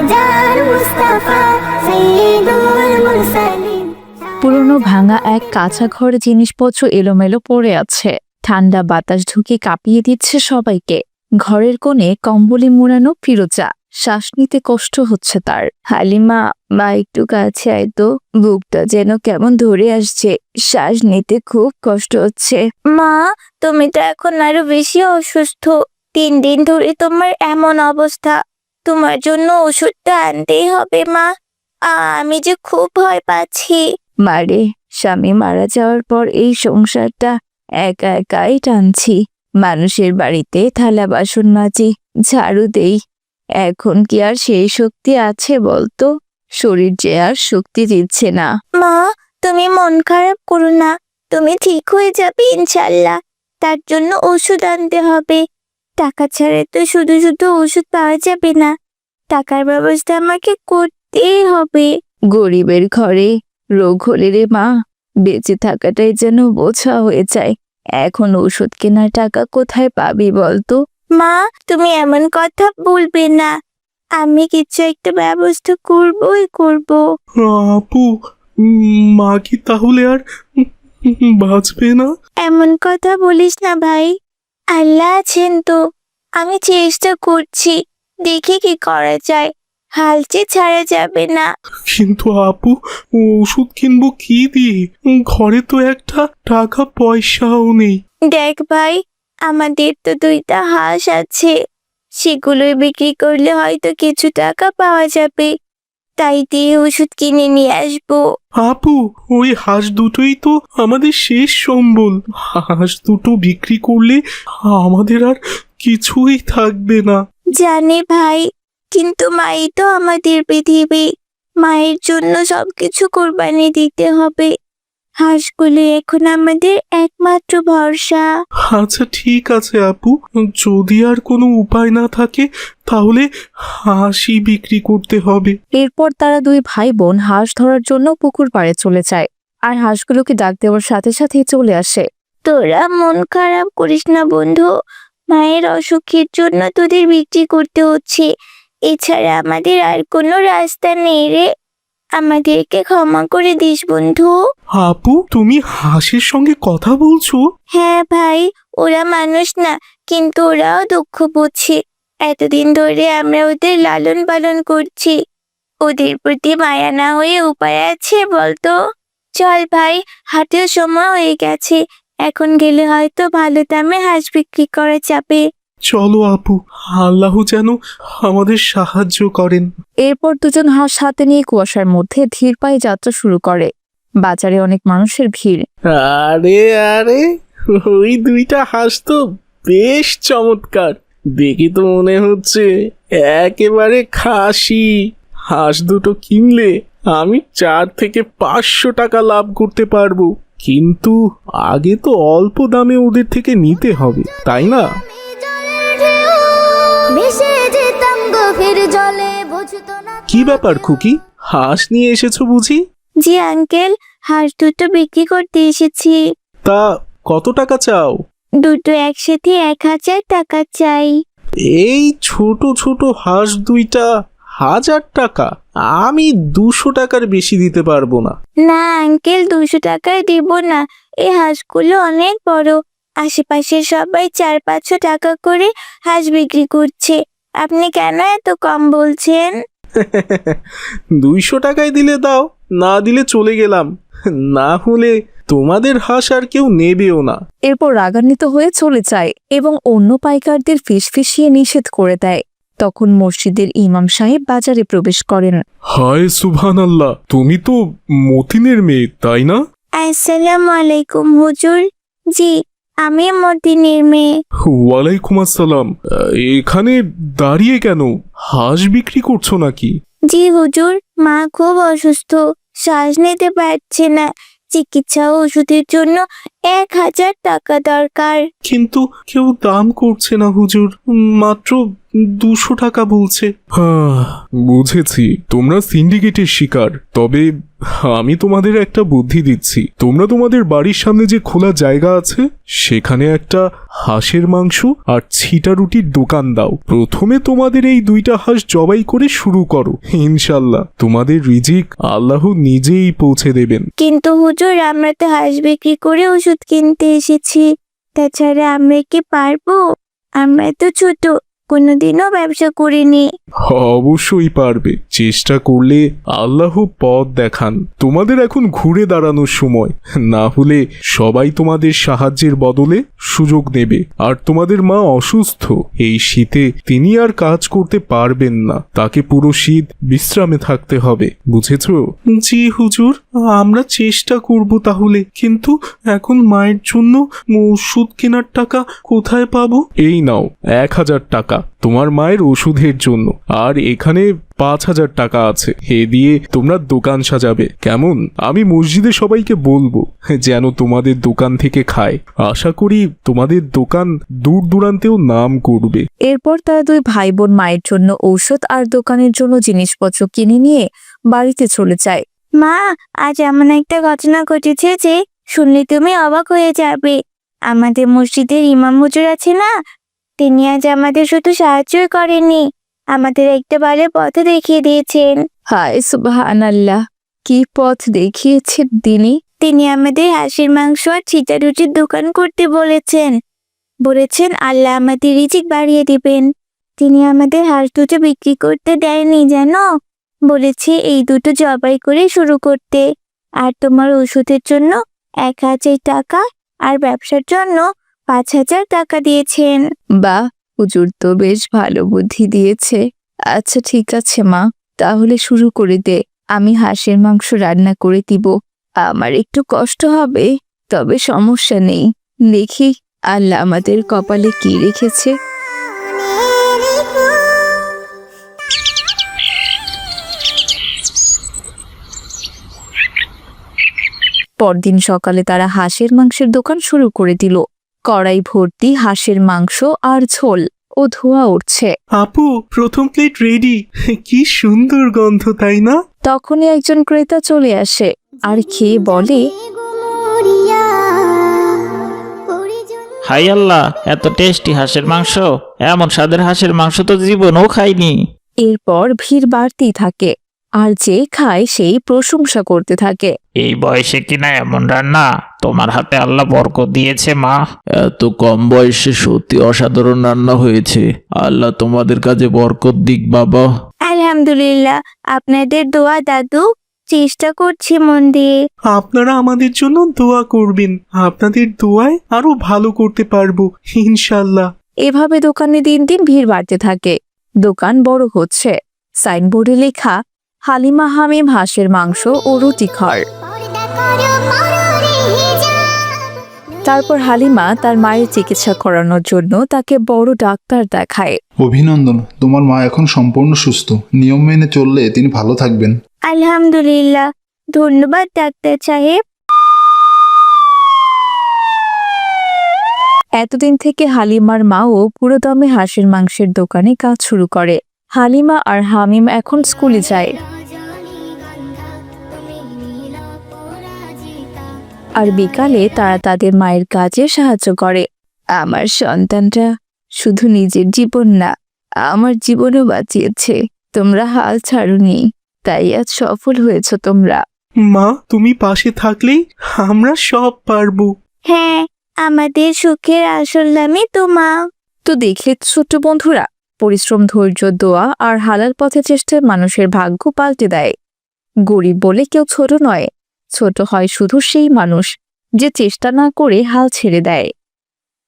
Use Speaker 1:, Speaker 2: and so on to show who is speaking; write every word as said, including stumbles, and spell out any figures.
Speaker 1: পুরনো ভাঙা এক কাঁচা ঘরে জিনিসপত্র এলোমেলো পড়ে আছে। ঠান্ডা বাতাস ঢুকে কাঁপিয়ে দিচ্ছে সবাইকে। ঘরের কোণে কম্বলে মোড়ানো ফিরোজা, শ্বাস নিতে কষ্ট হচ্ছে তার। হালিমা, মা একটু কাছে আয় তো, বুকটা যেন কেমন ধরে আসছে, শ্বাস নিতে খুব কষ্ট হচ্ছে। মা, তুমি তো এখন আরো বেশি অসুস্থ। তিন দিন ধরে তোমার এমন অবস্থা, তোমার জন্য ওষুধটা আনতেই হবে মা। আমি যে খুব ভয় পাচ্ছি। মারে, স্বামী মারা যাওয়ার পর এই সংসারটা একা একাই টানছি। মানুষের বাড়িতে থালা বাসন মাজি, ঝাড়ু দেই। এখন কি আর সেই শক্তি আছে বলতো? শরীর যে আর শক্তি দিচ্ছে না। মা, তুমি মন খারাপ করো না, তুমি ঠিক হয়ে যাবে ইনশাল্লাহ। তার জন্য ওষুধ আনতে হবে। টাকা ছাড়া তো শুধু শুধু ওষুধ পাওয়া যাবে না, টাকার ব্যবস্থা আমাকে করতেই হবে। গরিবের ঘরে রোগ হলে রে মা, বেঁচে থাকাটাই যেন বোঝা হয়ে যায়। এখন ওষুধ কেনার টাকা কোথায় পাবি বলতো? মা, তুমি এমন কথা বলবে না, আমি কিছু একটা ব্যবস্থা করবই করব।
Speaker 2: আপু, মা কি তাহলে আর বাঁচবে না?
Speaker 1: এমন কথা বলিস না ভাই, আল্লাহ আছেন তো। আমি চেষ্টা করছি, দেখি কি করা যায়। হাল যে ছাড়া যাবে না।
Speaker 2: কিন্তু আপু, ওষুধ কিনবো কি দিয়ে? ঘরে তো একটা টাকা পয়সাও নেই।
Speaker 1: দেখ ভাই, আমাদের তো দুইটা হাঁস আছে, সেগুলোই বিক্রি করলে হয়তো কিছু টাকা পাওয়া যাবে। তাই দিয়ে ওষুধ কিনে নিয়ে আসবো।
Speaker 2: আপু, ওই হাঁস দুটোই তো আমাদের শেষ সম্বল। হাঁস দুটো বিক্রি করলে আমাদের আর কিছুই থাকবে না।
Speaker 1: জানি ভাই, কিন্তু মাই তো আমাদের পৃথিবী। মায়ের জন্য সবকিছু কোরবানি দিতে হবে। হাঁসগুলো এখন আমাদের একমাত্র ভরসা।
Speaker 2: আচ্ছা ঠিক আছে আপু, যদি আর কোনো উপায় না থাকে তাহলে হাঁসই বিক্রি করতে হবে।
Speaker 1: এরপর তারা দুই ভাই বোন হাঁস ধরার জন্য পুকুর পাড়ে চলে যায়, আর হাঁসগুলোকে ডাক দেওয়ার সাথে সাথেই চলে আসে। তোরা মন খারাপ করিস না বন্ধু, মায়ের অসুখের জন্য তোদের বিক্রি করতে হচ্ছে। এছাড়া আমাদের আর কোনো রাস্তা নেই রে, আমাদেরকে ক্ষমা করে দিস বন্ধু।
Speaker 2: আপু, তুমি হাঁসের সঙ্গে কথা বলছো?
Speaker 1: হ্যাঁ ভাই, ওরা মানুষ না, কিন্তু ওরাও দুঃখ বুঝছে। এতদিন ধরে আমরা ওদের লালন পালন করছি, ওদের প্রতি মায়া না হয়ে উপায় আছে বলতো? চল ভাই, হাটের সময় হয়ে গেছে, এখন গেলে হয়তো ভালো দামে হাঁস বিক্রি করা যাবে।
Speaker 2: চলো আপু, আল্লাহ যেন আমাদের সাহায্য করেন।
Speaker 1: এরপর দুজন হাঁস হাতে নিয়ে কুয়াশার মধ্যে ধীর পায়ে যাত্রা শুরু করে। বাজারে অনেক মানুষের ভিড়।
Speaker 3: আরে আরে, ওই দুইটা হাঁস তো বেশ চমৎকার, দেখে তো মনে হচ্ছে একেবারে খাসি। হাঁস দুটো কিনলে আমি চার থেকে পাঁচশো টাকা লাভ করতে পারবো, কিন্তু আগে তো অল্প দামে ওদের থেকে নিতে হবে, তাই না? কি ব্যাপার খুকি, হাঁস নিয়ে এসেছো বুঝি?
Speaker 1: জি আঙ্কেল, হাঁস দুটো বিক্রি করতে এসেছি।
Speaker 3: তা কত টাকা চাও?
Speaker 1: দুটো একসাথে এক হাজার টাকা চাই।
Speaker 3: এই ছোট ছোট হাঁস দুইটা হাজার টাকা? আমি দুশো টাকার বেশি দিতে পারবো না।
Speaker 1: না আঙ্কেল, দুশো টাকায় দিব না, এই হাঁসগুলো অনেক বড়। আশেপাশের সবাই চার পাঁচশো টাকা করে হাঁস বিক্রি করছে, আপনি কেন এত কম বলছেন?
Speaker 3: দুইশো টাকায় দিলে দাও, না দিলে চলে গেলাম, না হলে তোমাদের হাঁস আর কেউ নেবেও না।
Speaker 1: এরপর রাগান্বিত হয়ে চলে যায় এবং অন্য পাইকারদের ফিসফিসিয়ে নিষেধ করে দেয়। তখন মসজিদের ইমাম সাহেব বাজারে প্রবেশ করেন।
Speaker 2: হায় সুবহানাল্লাহ, তুমি তো মতিনের মেয়ে তাই না?
Speaker 1: আসসালামু আলাইকুম হুজুর। জি, আমি মতিনের মেয়ে।
Speaker 2: ওয়ালাইকুম আসসালাম। এখানে দাঁড়িয়ে কেন? হাঁস বিক্রি করছো নাকি?
Speaker 1: জি হুজুর, মা খুব অসুস্থ, শ্বাস নিতে পারছে না, চিকিৎসা ও ওষুধের জন্য এক হাজার টাকা দরকার।
Speaker 2: কিন্তু কেউ দাম করছে না হুজুর, মাত্র দুশো টাকা বলছে। হ্যাঁ বুঝেছি, তোমরা সিন্ডিকেটের শিকার। তবে আমি তোমাদের একটা বুদ্ধি দিচ্ছি। তোমরা তোমাদের বাড়ির সামনে যে খোলা জায়গা আছে সেখানে একটা হাঁসের মাংস আর ছিটা রুটির দোকান দাও। প্রথমে তোমাদের এই দুইটা হাঁস জবাই করে শুরু করো, ইনশাল্লাহ তোমাদের রিজিক আল্লাহ নিজেই পৌঁছে দেবেন।
Speaker 4: কিন্তু হুজুর, আমরা তো হাঁস বিক্রি করে ওষুধ কিনতে এসেছি, তাছাড়া আমরা কি পারবো? আমরা তো ছোট, কোনোদিনও ব্যবসা করিনি।
Speaker 2: অবশ্যই পারবে, চেষ্টা করলে আল্লাহ পথ দেখান। তোমাদের এখন ঘুরে দাঁড়ানোর সময়, না হলে সবাই তোমাদের সাহায্যের বদলে সুযোগ নেবে। আর তোমাদের মা অসুস্থ, এই শীতে তিনি আর কাজ করতে পারবেন না, তাকে পুরো শীত বিশ্রামে থাকতে হবে, বুঝেছো? জি হুজুর, আমরা চেষ্টা করব তাহলে। কিন্তু এখন মায়ের জন্য ওষুধ কেনার টাকা কোথায় পাবো? এই নাও এক হাজার টাকা তোমার মায়ের ওষুধের জন্য, আর এখানে পাঁচ হাজার টাকা আছে। এ দিয়ে তোমরা দোকান সাজাবে, কেমন? আমি মসজিদে সবাইকে বলবো যেন তোমাদের দোকান থেকে খায়। আশা করি তোমাদের দোকান দূর দূরান্তেও নাম করবে।
Speaker 1: এরপর তারা দুই ভাই বোন মায়ের জন্য ঔষধ আর দোকানের জন্য জিনিসপত্র কিনে নিয়ে বাড়িতে চলে যায়।
Speaker 4: মা, আজ এমন একটা ঘটনা ঘটেছে যে শুনলে তুমি অবাক হয়ে যাবে। আমাদের মসজিদের ইমাম হুজুর আছে না, তিনি আজ আমাদের শুধু সাহায্যই করেননি, আমাদের একটা ভালো পথ দেখিয়ে দিয়েছেন।
Speaker 1: হায় সুবহানাল্লাহ, কি পথ দেখিয়েছেন তিনি?
Speaker 4: তিনি আমাদের হাঁসের মাংস আর ছিটা রুটির দোকান করতে বলেছেন। বলেছেন আল্লাহ আমাদের রিজিক বাড়িয়ে দিবেন। তিনি আমাদের হাঁস দুটো বিক্রি করতে দেয়নি জানো, বলেছে এই দুটো জবাই করে শুরু করতে। আর তোমার ওষুধের জন্য এক হাজার টাকা আর ব্যবসার জন্য পাঁচ হাজার টাকা দিয়েছেন।
Speaker 1: বা হুজুর তো বেশ ভালো বুদ্ধি দিয়েছে। আচ্ছা ঠিক আছে মা, তাহলে শুরু করে দে। আমি হাঁসের মাংস রান্না করে দিব। আমার একটু কষ্ট হবে, তবে সমস্যা নেই। দেখি আল্লাহ আমাদের কপালে কি রেখেছে। পরদিন সকালে তারা হাঁসের মাংসের দোকান শুরু করে দিল। কড়াই ভর্তি হাঁসের মাংস আর ঝোল ও ধোঁয়া উঠছে।
Speaker 2: আপু, প্রথম প্লেট রেডি। কি সুন্দর গন্ধ, তাই না?
Speaker 1: তখনই একজন ক্রেতা চলে আসে আর খেয়ে বলে,
Speaker 5: হাই আল্লাহ, এত টেস্টি হাঁসের মাংস! এমন স্বাদের হাঁসের মাংস তো জীবনেও খাইনি।
Speaker 1: এরপর ভিড় বাড়তেই থাকে, আর যে খায় সেই প্রশংসা করতে থাকে।
Speaker 5: এই বয়সে কিনা এমন রান্না! তোমার হাতে আল্লাহ বরকত দিয়েছে মা।
Speaker 6: এত কম বয়সে সত্যি অসাধারণ রান্না হয়েছে। আল্লাহ তোমাদের কাজে বরকত দিক বাবা।
Speaker 4: আলহামদুলিল্লাহ, আপনাদের দোয়া দাদু, চেষ্টা করছি মন দিয়ে।
Speaker 2: আপনারা আমাদের জন্য দোয়া করবেন, আপনাদের দোয়ায় আরো ভালো করতে পারবো ইনশাল্লাহ।
Speaker 1: এভাবে দোকানে দিন দিন ভিড় বাড়তে থাকে। দোকান বড় হচ্ছে। সাইনবোর্ডে লেখা হালিমা হামিম হাঁসের মাংস ও রুটি ঘর। তারপর হালিমা তার মায়ের চিকিৎসা করানোর জন্য তাকে বড় ডাক্তার দেখায়।
Speaker 7: অভিনন্দন, তোমার মা এখন সম্পূর্ণ সুস্থ। নিয়ম মেনে চললে তিনি ভালো থাকবেন।
Speaker 4: আলহামদুলিল্লাহ, ধন্যবাদ ডাক্তার সাহেব।
Speaker 1: এতদিন থেকে হালিমার মাও পুরোদমে হাঁসের মাংসের দোকানে কাজ শুরু করে। হালিমা আর হামিম এখন স্কুলে যায়, আর বিকালে তারা তাদের মায়ের কাজে সাহায্য করে। আমার সন্তানটা শুধু নিজের জীবন না, আমার জীবনও বাঁচিয়েছে। তোমরা হাল ছাড়ুনি, তাই আজ সফল হয়েছ তোমরা।
Speaker 2: মা, তুমি পাশে থাকলেই আমরা সব পারবো।
Speaker 4: হ্যাঁ, আমাদের সুখের আসল নামই তো মা।
Speaker 1: তো দেখলে ছোট্ট বন্ধুরা, পরিশ্রম, ধৈর্য, দোয়া আর হালাল পথে চেষ্টায় মানুষের ভাগ্য পাল্টে দেয়। গরিব বলে কেউ ছোট নয়, ছোট হয় শুধু সেই মানুষ যে চেষ্টা না করে হাল ছেড়ে দেয়।